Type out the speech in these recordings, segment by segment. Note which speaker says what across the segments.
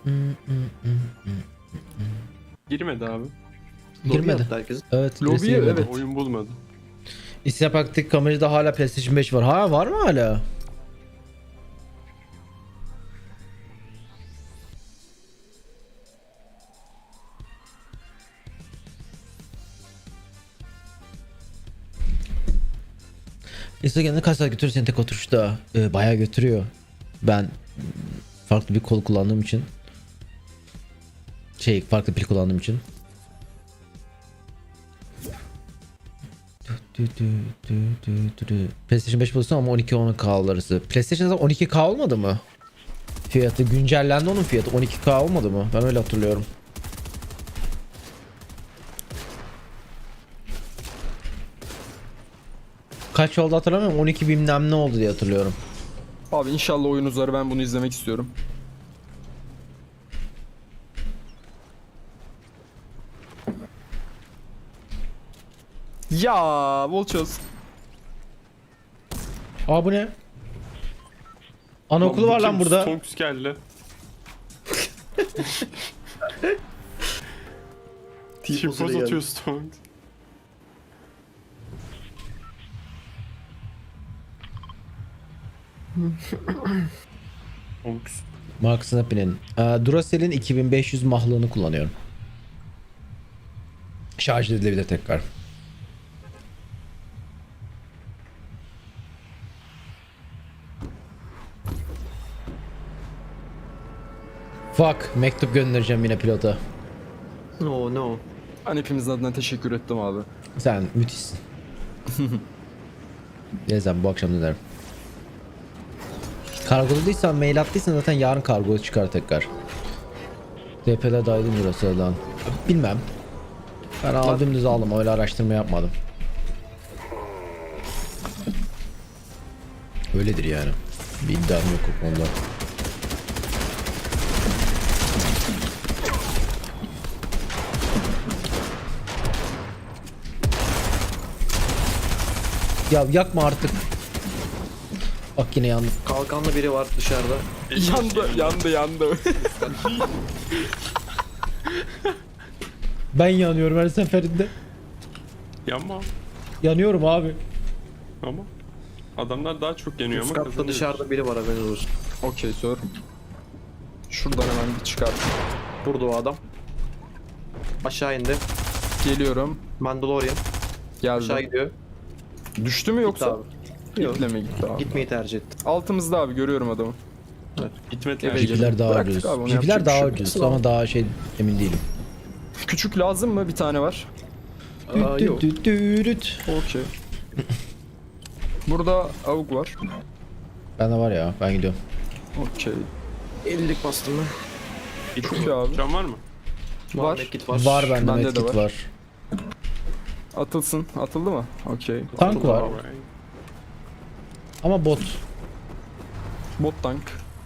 Speaker 1: Girmedi abi.
Speaker 2: Girmedi.
Speaker 3: Herkes.
Speaker 2: Evet.
Speaker 4: Lobiye,
Speaker 2: birisi girmedi.
Speaker 4: evet.
Speaker 1: Oyun bulmadı.
Speaker 2: İstinap Aktif kamerada hala PlayStation 5 var. Ha var mı hala? Instagram'da kaç saat götürür seni tek oturuşta? Bayağı götürüyor. Ben farklı bir kol kullandığım için. Farklı pil kullandığım için. PlayStation 5 bulursun ama 12-10K arası. PlayStation'da 12K olmadı mı? Fiyatı güncellendi, onun fiyatı 12K olmadı mı? Ben öyle hatırlıyorum. Kaç oldu hatırlamıyorum. 12 bilmem ne oldu diye hatırlıyorum.
Speaker 4: Abi inşallah oyun uzar, ben bunu izlemek istiyorum. Ya Volchos.
Speaker 2: Aa bu ne? Anaokulu var lan burada.
Speaker 1: Stonks geldi. Çipoz atıyor Stonks. Stonks.
Speaker 2: Mark Snappy'nin. Duracell'in 2500 mahlığını kullanıyorum. Şarj edilebilir tekrar. Fuck, mektup göndereceğim yine pilota.
Speaker 3: No no.
Speaker 4: Ben hepimizin adına teşekkür ettim abi.
Speaker 2: Sen müthişsin. Neyse bu akşam dönerim. Kargoladıysan, mail attıysan zaten yarın kargo çıkar tekrar. DP'ler dahilin Duracell'dan. Bilmem. Ben aldım düz aldım, öyle araştırma yapmadım. Öyledir yani. Bir iddiam yok o konuda. Ya yakma artık. Bak yine yandım.
Speaker 3: Kalkanlı biri var dışarıda.
Speaker 4: Yandı.
Speaker 2: Ben yanıyorum her seferinde.
Speaker 1: Yanma.
Speaker 2: Yanıyorum abi.
Speaker 1: Ama adamlar daha çok yeniyor
Speaker 3: Üst
Speaker 1: ama
Speaker 3: katta
Speaker 1: kazanıyor.
Speaker 3: dışarıda biri var, haberiniz olsun.
Speaker 4: Okey sir. Şuradan hemen bir çıkar.
Speaker 3: Burada o adam. Aşağı indi.
Speaker 4: Geliyorum.
Speaker 3: Mandalorian. Aşağı
Speaker 4: Geldim.
Speaker 3: gidiyor.
Speaker 4: Düştü mü
Speaker 3: Gitti
Speaker 4: yoksa?
Speaker 3: abi. Yok.
Speaker 4: İple mi gitti abi?
Speaker 3: Gitmeyi tercih etti.
Speaker 4: Altımızda abi, görüyorum adamı.
Speaker 1: Gitmedi
Speaker 4: Eve
Speaker 1: yani.
Speaker 4: gel.
Speaker 2: Jipiler daha
Speaker 4: Bıraktık
Speaker 2: ucuz.
Speaker 4: abi, onu
Speaker 2: Jipiler
Speaker 4: yapacak bir
Speaker 2: daha
Speaker 4: şey yok.
Speaker 2: ucuz ama daha emin değilim.
Speaker 4: Küçük lazım mı? Bir tane var.
Speaker 3: Aa, yok.
Speaker 4: Okey. Burada avuk var.
Speaker 2: Bende var ya, ben gidiyorum.
Speaker 4: Okey.
Speaker 3: 50'lik bastım ben.
Speaker 1: Git
Speaker 4: Çok iyi abi.
Speaker 1: Can var mı?
Speaker 4: Var.
Speaker 3: Medkit var.
Speaker 2: Var bende,
Speaker 4: Bende de
Speaker 2: medkit
Speaker 4: var.
Speaker 2: var.
Speaker 4: Atılsın. Atıldı mı? Okey.
Speaker 2: Tank var
Speaker 1: Alright.
Speaker 2: ama bot.
Speaker 4: Bot tank.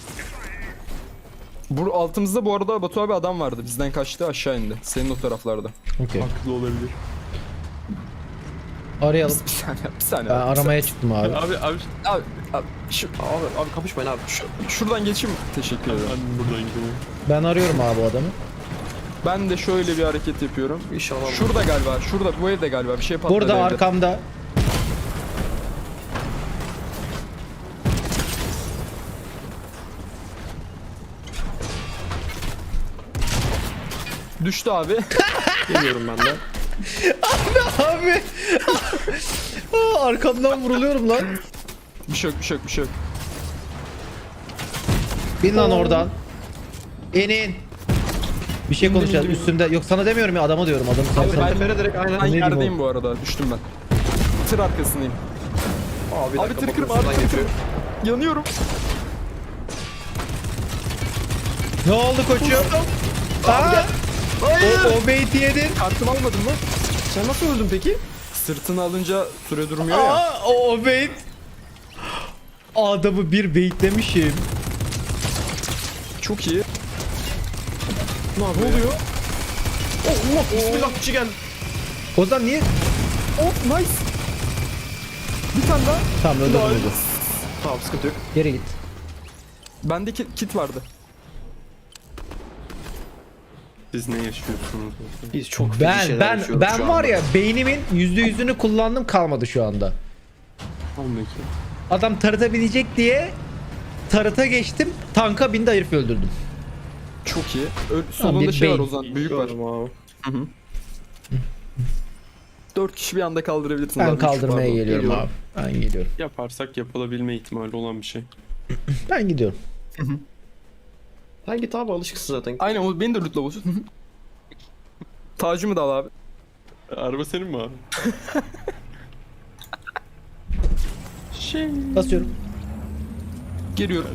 Speaker 4: Bu altımızda bu arada Batu abi adam vardı. Bizden kaçtı, aşağı indi. Senin o taraflarda.
Speaker 2: Okey.
Speaker 1: Haklı olabilir.
Speaker 2: Arayalım.
Speaker 4: Bir saniye, bir saniye.
Speaker 2: Ben
Speaker 4: abi,
Speaker 2: aramaya çıktım abi.
Speaker 1: Abi
Speaker 4: Abi, şu,
Speaker 3: Abi kapışmayın abi.
Speaker 4: şuradan geçeyim. Teşekkür ederim.
Speaker 1: ben buradan gidiyorum.
Speaker 2: Ben arıyorum abi o adamı.
Speaker 4: Ben de şöyle bir hareket yapıyorum.
Speaker 3: İnşallah.
Speaker 4: Şurada galiba, şurada bu evde galiba bir şey patladı.
Speaker 2: Burada
Speaker 4: evde.
Speaker 2: arkamda.
Speaker 4: Düştü abi.
Speaker 3: Geliyorum ben de.
Speaker 2: Abi. Arkamdan vuruluyorum lan.
Speaker 4: bir şey yok, bir şey yok, bir şey yok.
Speaker 2: Bin lan oradan. İnin. Bir şey konuşacağız
Speaker 4: indim.
Speaker 2: üstümde. Yok sana demiyorum ya, adama diyorum. Adamı
Speaker 3: Abi
Speaker 2: sen.
Speaker 3: ben tepere direkt aynen.
Speaker 4: Ben
Speaker 2: Ne diyeyim
Speaker 4: yerdeyim bu arada, düştüm ben. Tır arkasındayım.
Speaker 3: Abi, bir
Speaker 4: Abi
Speaker 3: dakika,
Speaker 4: tır kırma,
Speaker 3: bakın
Speaker 4: abi
Speaker 3: şuradan
Speaker 4: tır kırma.
Speaker 3: geçiyor.
Speaker 4: Yanıyorum.
Speaker 2: Ne oldu koçum? Aa! O beyti yedin.
Speaker 4: Kartımı almadın mı?
Speaker 3: Sen nasıl öldün peki?
Speaker 4: Sırtını alınca süre durmuyor ya.
Speaker 2: Aa, o beyt. Adamı bir beyitlemişim.
Speaker 4: Çok iyi.
Speaker 3: Ne oluyor? Allah bismillah kişi geldi.
Speaker 2: O zaman niye?
Speaker 4: Oh nice. Bir tane daha.
Speaker 2: Tamam öldürdüm öldürdüm.
Speaker 3: Tamam sıkıntı yok.
Speaker 2: Geri git.
Speaker 4: Bende kit vardı.
Speaker 1: Siz ne yaşıyorsunuz?
Speaker 3: Biz çok feci
Speaker 2: Ben
Speaker 3: şeyler
Speaker 2: ben
Speaker 3: yaşıyoruz
Speaker 2: ben
Speaker 3: şu
Speaker 2: var
Speaker 3: anda.
Speaker 2: ya beynimin %100'ünü kullandım, kalmadı şu anda.
Speaker 1: Anladım.
Speaker 2: Adam tarıta binecek diye tarıta geçtim. Tanka bindi, herif öldürdüm.
Speaker 4: Çok iyi.
Speaker 2: bir
Speaker 4: Solunda şey var
Speaker 2: beyin.
Speaker 4: Ozan. Büyük var.
Speaker 3: Gördüm abi.
Speaker 4: 4 kişi bir anda kaldırabilirsiniz.
Speaker 2: Ben
Speaker 4: abi, üç
Speaker 2: kaldırmaya
Speaker 4: pardon.
Speaker 2: geliyorum
Speaker 3: Geliyorum.
Speaker 2: abi. Ben geliyorum.
Speaker 1: Yaparsak yapılabilme ihtimali olan bir şey.
Speaker 2: Ben gidiyorum.
Speaker 3: Sen git abi, alışıksın zaten.
Speaker 4: Aynen o beni de lootla boşut. Tacımı da al abi.
Speaker 1: Araba senin mi abi? Şey.
Speaker 2: Basıyorum.
Speaker 4: Geliyorum.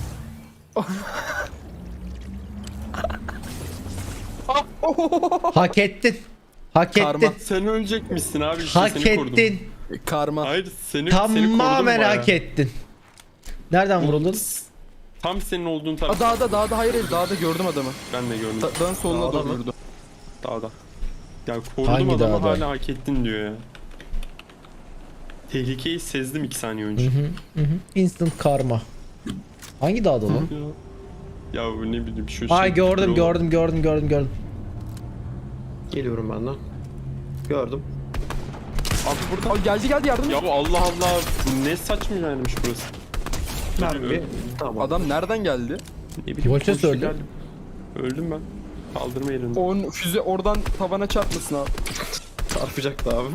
Speaker 2: Hak ettin. Hak
Speaker 4: Karma.
Speaker 2: ettin.
Speaker 1: Sen ölecekmişsin abi, işte
Speaker 2: Hak
Speaker 1: seni korudum.
Speaker 2: ettin.
Speaker 4: Karma.
Speaker 1: Hayır, seni korudum
Speaker 2: Tamamen
Speaker 1: bayağı.
Speaker 2: hak ettin. Nereden vuruldun?
Speaker 1: Tam senin olduğun taraf.
Speaker 4: Dağda hayır dağda gördüm adamı.
Speaker 1: Ben de gördüm.
Speaker 4: Dağın soluna
Speaker 3: Dağda
Speaker 4: doğru
Speaker 3: mı?
Speaker 4: yürüdüm.
Speaker 1: Dağda. Ya korudum
Speaker 2: Hangi
Speaker 1: adamı,
Speaker 2: dağda?
Speaker 1: hala hak ettin diyor ya. Tehlikeyi sezdim 2 saniye önce.
Speaker 2: Instant karma. Hangi dağda lan?
Speaker 1: Ya bu ne bileyim şu
Speaker 2: Ay
Speaker 1: şey.
Speaker 2: gördüm
Speaker 1: yol-
Speaker 2: gördüm.
Speaker 3: Geliyorum ben de. Gördüm.
Speaker 1: Abi burada.
Speaker 4: Abi geldi yardım.
Speaker 1: Ya bu Allah Allah, bu ne saçma yermiş burası.
Speaker 3: Mermi. Tamam.
Speaker 4: Adam nereden geldi?
Speaker 1: Ne bileyim.
Speaker 2: Voltes
Speaker 1: koşu
Speaker 2: öldü.
Speaker 1: geldim. Öldüm ben. Kaldırma yerinde.
Speaker 4: O füze oradan tavana çarpmasın abi.
Speaker 3: Çarpacaktı abi.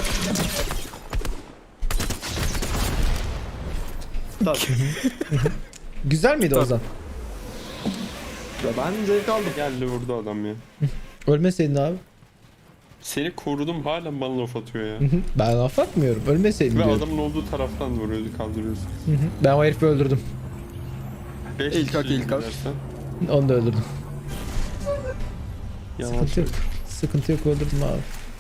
Speaker 3: Tabii.
Speaker 2: Güzel miydi Ozan?
Speaker 3: Ya ben zevk aldım.
Speaker 1: Geldi vurdu adam ya.
Speaker 2: Ölmeseydin abi.
Speaker 1: Seni korudum, hala bana laf atıyor ya.
Speaker 2: Ben laf atmıyorum. Ölmeseydin
Speaker 1: Ve
Speaker 2: diyorum.
Speaker 1: adamın olduğu taraftan vuruyordu, kaldırıyorsun.
Speaker 2: Ben o herifi öldürdüm.
Speaker 1: 5
Speaker 4: İlk hak, ilk hak.
Speaker 2: Onu da öldürdüm.
Speaker 1: Yalan
Speaker 2: Sıkıntı yok. Sıkıntı yok, öldürdüm abi.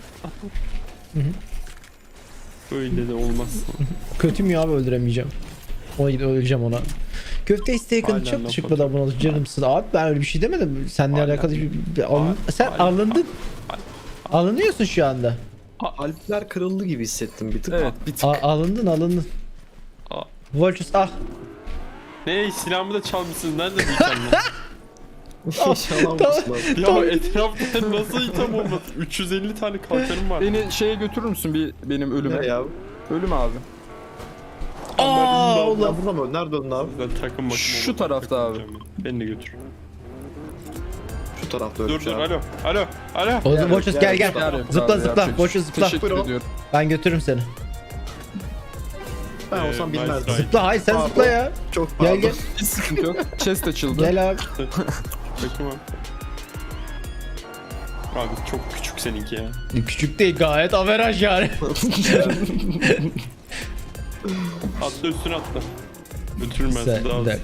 Speaker 1: Böyle de olmaz.
Speaker 2: Kötü mü abi, öldüremeyeceğim. Öleceğim ona. Köfte isteği
Speaker 1: Hala
Speaker 2: kadın çok
Speaker 1: laf
Speaker 2: teşekkür ederim abone oldu. Canımsın abi, ben öyle bir şey demedim. Seninle
Speaker 1: Hala.
Speaker 2: alakalı sen
Speaker 1: Hala.
Speaker 2: alındın. Alınıyorsun şu anda.
Speaker 3: Alpler kırıldı gibi hissettim bir tık.
Speaker 4: Evet bir tık.
Speaker 2: Alındın.
Speaker 1: Aa.
Speaker 2: Volchus ah.
Speaker 1: Ne, silahımı da çalmışsınız, nerede bu itemler?
Speaker 3: İnşallah olmasın abi.
Speaker 1: Ya etrafta nasıl item olmaz? 350 tane kalkanım var.
Speaker 4: Beni şeye götürür müsün benim ölüme?
Speaker 3: Ne ya?
Speaker 4: Ölüm abi.
Speaker 2: Aa
Speaker 3: Ya
Speaker 2: ulan.
Speaker 3: burada mı? Nerede öldün abi?
Speaker 1: Ben takım bakım
Speaker 4: Şu
Speaker 1: olmadı,
Speaker 4: tarafta
Speaker 1: takım
Speaker 4: abi.
Speaker 1: olacağım ya. Beni de götür.
Speaker 3: Şu tarafta
Speaker 1: Dur
Speaker 3: ölmüş
Speaker 1: dur,
Speaker 3: abi.
Speaker 1: alo.
Speaker 2: Oğlum Volchus gel gel.
Speaker 4: Yar yok
Speaker 2: Zıpla
Speaker 4: abi,
Speaker 2: zıpla.
Speaker 4: yapacak
Speaker 2: Volchus
Speaker 4: bir şey.
Speaker 2: zıpla.
Speaker 4: Teşekkür
Speaker 3: Buyurun.
Speaker 4: ediyorum.
Speaker 2: Ben götürürüm seni.
Speaker 3: Ben olsam
Speaker 1: nice
Speaker 3: bilmezdim.
Speaker 1: try.
Speaker 2: Zıpla, hayır sen
Speaker 3: Pardon.
Speaker 2: zıpla ya.
Speaker 3: Çok pardon.
Speaker 2: Gel.
Speaker 4: Hiç sıkıntı yok. Chest açıldı.
Speaker 2: Gel abi.
Speaker 1: Takım abi. Abi çok küçük seninki ya.
Speaker 2: Küçük değil, gayet averaj yani.
Speaker 1: Atla üstüne atla. Götürürüm ben sizi daha az.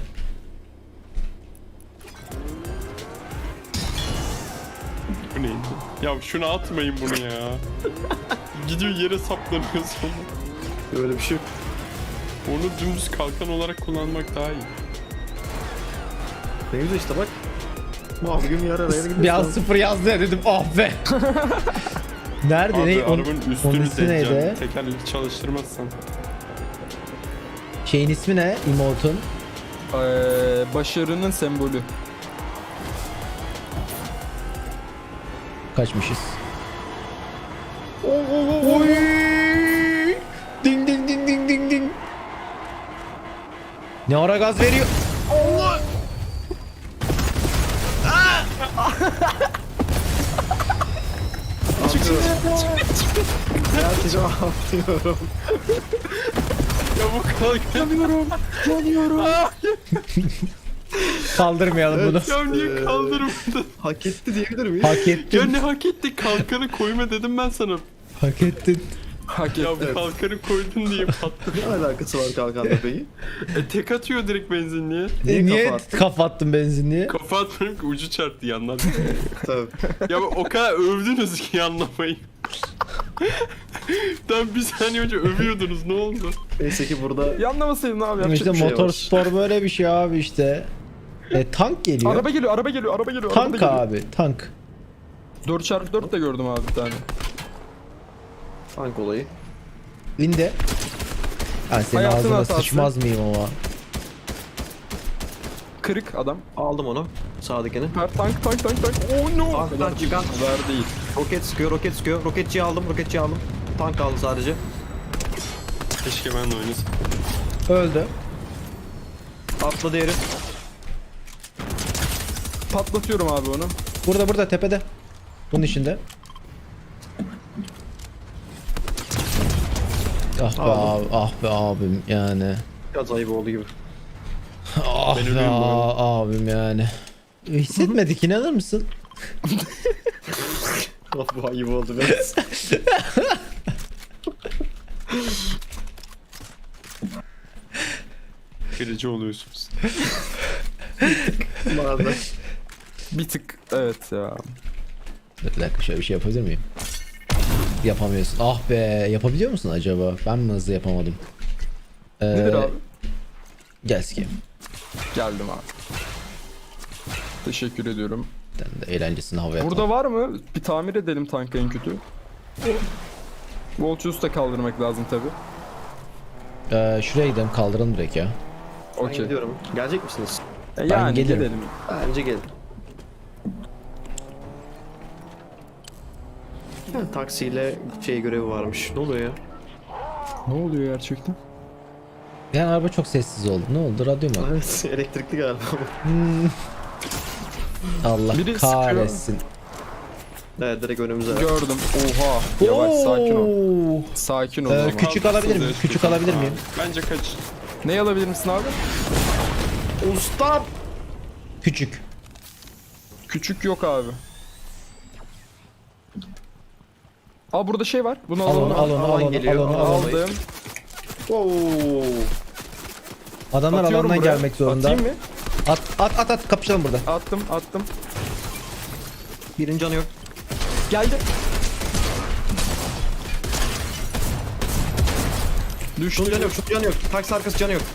Speaker 1: Bu neydi? Ya şunu atmayın bunu ya. Gidiyor yere saplanıyor sonra.
Speaker 3: Öyle bir şey yok.
Speaker 1: Onu dümdüz kalkan olarak kullanmak daha iyi.
Speaker 3: Ne güzel işte bak. Mavi gün yer araya gidiyorsun.
Speaker 2: Bir an 0 yazdı ya, dedim ah be. Nerede
Speaker 1: Abi
Speaker 2: ne?
Speaker 1: arabanın
Speaker 2: onun
Speaker 1: üstünü
Speaker 2: ismi neydi?
Speaker 1: deleceğim. Tekerlek çalıştırmazsan.
Speaker 2: Şeyin ismi ne? Emote'un.
Speaker 4: Başarının sembolü.
Speaker 2: Kaçmışız. Oy! Ding ding ding ding ding ding. Ne ara gaz veriyor? Allah!
Speaker 3: Gerçekten atlıyorum.
Speaker 1: Ya bu kalkan.
Speaker 2: Kaldırmayalım bunu.
Speaker 1: Ya niye kaldırmadın?
Speaker 3: Hak etti diyebilir miyiz?
Speaker 2: Hak
Speaker 1: Ya
Speaker 2: ettin.
Speaker 1: ne hak etti? Kalkanı koyma dedim ben sana.
Speaker 2: Hak ettin.
Speaker 4: Hak
Speaker 1: Ya
Speaker 4: etti.
Speaker 1: bu kalkanı koydun diye patladı.
Speaker 3: Ne alakası var kalkanla peki?
Speaker 1: Tek atıyor direkt benzinliğe.
Speaker 3: Niye
Speaker 2: Niye
Speaker 3: kafa attın?
Speaker 2: kafa attın benzinliğe?
Speaker 1: Kafa atmıyorum ki, ucu çarptı yandan.
Speaker 3: Tabii.
Speaker 1: Ya o kadar övdünüz ki anlamayın. Tam bir saniye önce övüyordunuz, ne oldu?
Speaker 3: Neyse ki burada
Speaker 4: Yanlamasaydın abi yapacak
Speaker 2: İşte
Speaker 4: bir şey
Speaker 2: motor
Speaker 4: var.
Speaker 2: spor böyle bir şey abi işte. Tank geliyor.
Speaker 4: Araba geliyor.
Speaker 2: Tank abi, tank.
Speaker 4: 4x4 de gördüm abi bir tane.
Speaker 3: tank olayı.
Speaker 2: Linde. Ha, senin
Speaker 4: Hayatın
Speaker 2: ağzına
Speaker 4: hatası.
Speaker 2: sıçmaz mıyım ama?
Speaker 4: kırık adam.
Speaker 3: Aldım onu. Sağdakini.
Speaker 4: Tank. Oh no.
Speaker 3: Tanktan çıkan.
Speaker 4: Ver değil.
Speaker 3: Roket sıkıyor. Roketçiyi aldım. Tank kaldı sadece.
Speaker 1: Keşke ben de oynasam.
Speaker 2: Öldü.
Speaker 3: Atladı herif.
Speaker 4: Patlatıyorum abi onu.
Speaker 2: Burada tepede. Bunun içinde. Ah be
Speaker 3: Aldım.
Speaker 2: abi, ah be abim yani.
Speaker 3: Biraz ayıp oldu gibi.
Speaker 2: Ah
Speaker 1: Ben
Speaker 2: be
Speaker 1: ölüyorum bu arada.
Speaker 2: abim yani. Hissetmedik, inanır mısın?
Speaker 3: Bu ayıp oldu biraz.
Speaker 1: Kırıcı oluyorsunuz.
Speaker 3: Bazen.
Speaker 4: Bir tık evet ya.
Speaker 2: Bir dakika, şöyle bir şey yapabilir miyim? Yapamıyorsun. Ah be, yapabiliyor musun acaba? Ben mi hızlı yapamadım?
Speaker 4: Nedir abi?
Speaker 2: Gel sikeyim.
Speaker 4: Geldim abi. Teşekkür ediyorum.
Speaker 2: Ben de eğlencesini havaya
Speaker 4: Burada var mı? Bir tamir edelim tankı en kötü. Volchus'u da kaldırmak lazım tabi.
Speaker 2: Şuraya gidelim, kaldıralım direkt ya.
Speaker 3: Ben
Speaker 4: Okey.
Speaker 3: gidiyorum. Gelecek misiniz?
Speaker 4: Yani
Speaker 2: gelirim.
Speaker 4: gidelim.
Speaker 3: Bence gelin. Ya, taksiyle şey görevi varmış. Ne oluyor ya?
Speaker 4: Ne oluyor gerçekten?
Speaker 2: Yani araba çok sessiz oldu. Ne oldu? Radyo mu?
Speaker 3: Evet, elektrikli galiba.
Speaker 2: Allah
Speaker 4: Biri
Speaker 2: kahretsin.
Speaker 3: Evet, direkt önümüze.
Speaker 4: Gördüm. Oha. Yavaş sakin ol.
Speaker 2: Oo.
Speaker 4: Sakin ol.
Speaker 2: Ee,
Speaker 4: ama.
Speaker 2: küçük alabilir miyim? Küçük alabilir miyim?
Speaker 1: Bence kaç.
Speaker 4: Ne alabilir misin abi?
Speaker 3: Ustam!
Speaker 2: Küçük.
Speaker 4: Küçük yok abi. Aa burada şey var. Bunu
Speaker 2: Al onu,
Speaker 4: alalım.
Speaker 2: al onu, al onu,
Speaker 3: geliyor,
Speaker 2: al onu, al onu.
Speaker 4: Aldım.
Speaker 3: Oo.
Speaker 2: Adamlar
Speaker 4: Atıyorum
Speaker 2: alandan
Speaker 4: buraya.
Speaker 2: gelmek zorunda.
Speaker 4: Atayım mı?
Speaker 2: At, kapışalım burada.
Speaker 4: Attım.
Speaker 3: Birinin canı yok.
Speaker 4: Geldi. Düştü.
Speaker 3: Şunun canı yok. Taksi arkası canı yok.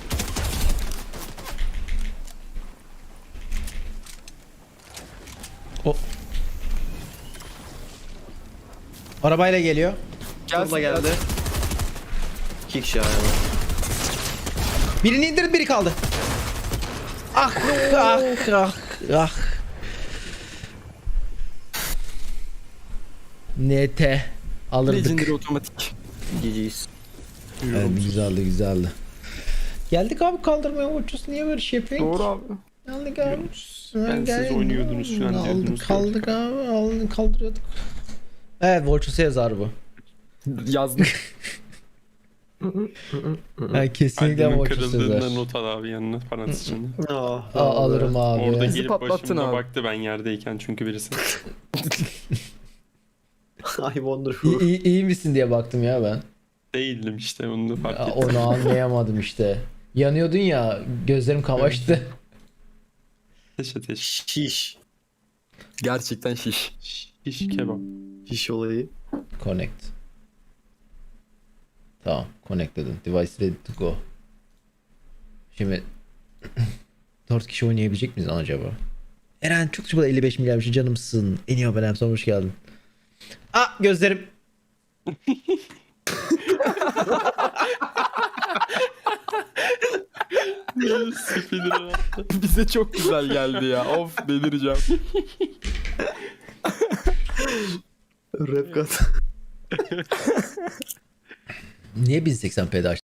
Speaker 2: O. Arabayla geliyor.
Speaker 3: Burada geldi. 2 kişi yani.
Speaker 2: Birini indirdim, biri kaldı. Ah, ah. NT alırdık.
Speaker 4: Legendary otomatik.
Speaker 3: GG's.
Speaker 2: Evet, güzeldi. Geldik abi kaldırmaya, uçuz niye böyle şey yapıyorsun?
Speaker 4: Doğru abi.
Speaker 2: Geldik abi.
Speaker 1: Ben siz oynuyordunuz falan diyordunuz.
Speaker 2: Kaldık abi, kaldırıyorduk. Evet, Volchus'a yazar bu.
Speaker 4: Yazdım.
Speaker 2: Yani kesinlikle
Speaker 1: Kalbimin
Speaker 2: Volchus'a yazar.
Speaker 1: kırıldığında not al abi yanına parantez içinde.
Speaker 2: Alırım abi.
Speaker 1: Orada
Speaker 4: Bizi
Speaker 1: gelip
Speaker 4: patlattın
Speaker 1: başıma
Speaker 4: abi.
Speaker 1: baktı ben yerdeyken çünkü birisi.
Speaker 3: I wonder
Speaker 2: İyi misin diye baktım ya ben.
Speaker 1: Değildim işte onu da fark
Speaker 2: Ya,
Speaker 1: ettim.
Speaker 2: onu anlayamadım işte. Yanıyordun ya, gözlerim kamaştı.
Speaker 1: Teşekkür.
Speaker 3: Şiş.
Speaker 4: Gerçekten şiş.
Speaker 1: Şiş kebap.
Speaker 3: Şiş olayı.
Speaker 2: Connect. Tamam, connect dedim. Device ready to go. Şimdi 4 kişi oynayabilecek miyiz lan acaba? Eren çok çabuk 55 milyar bir şey, canımsın. En iyi abonem, sonra hoş geldin. Gözlerim.
Speaker 1: Spinner attı.
Speaker 4: Bize çok güzel geldi ya. Of delireceğim.
Speaker 3: Rap kat.
Speaker 2: Niye 1080p'de açtın?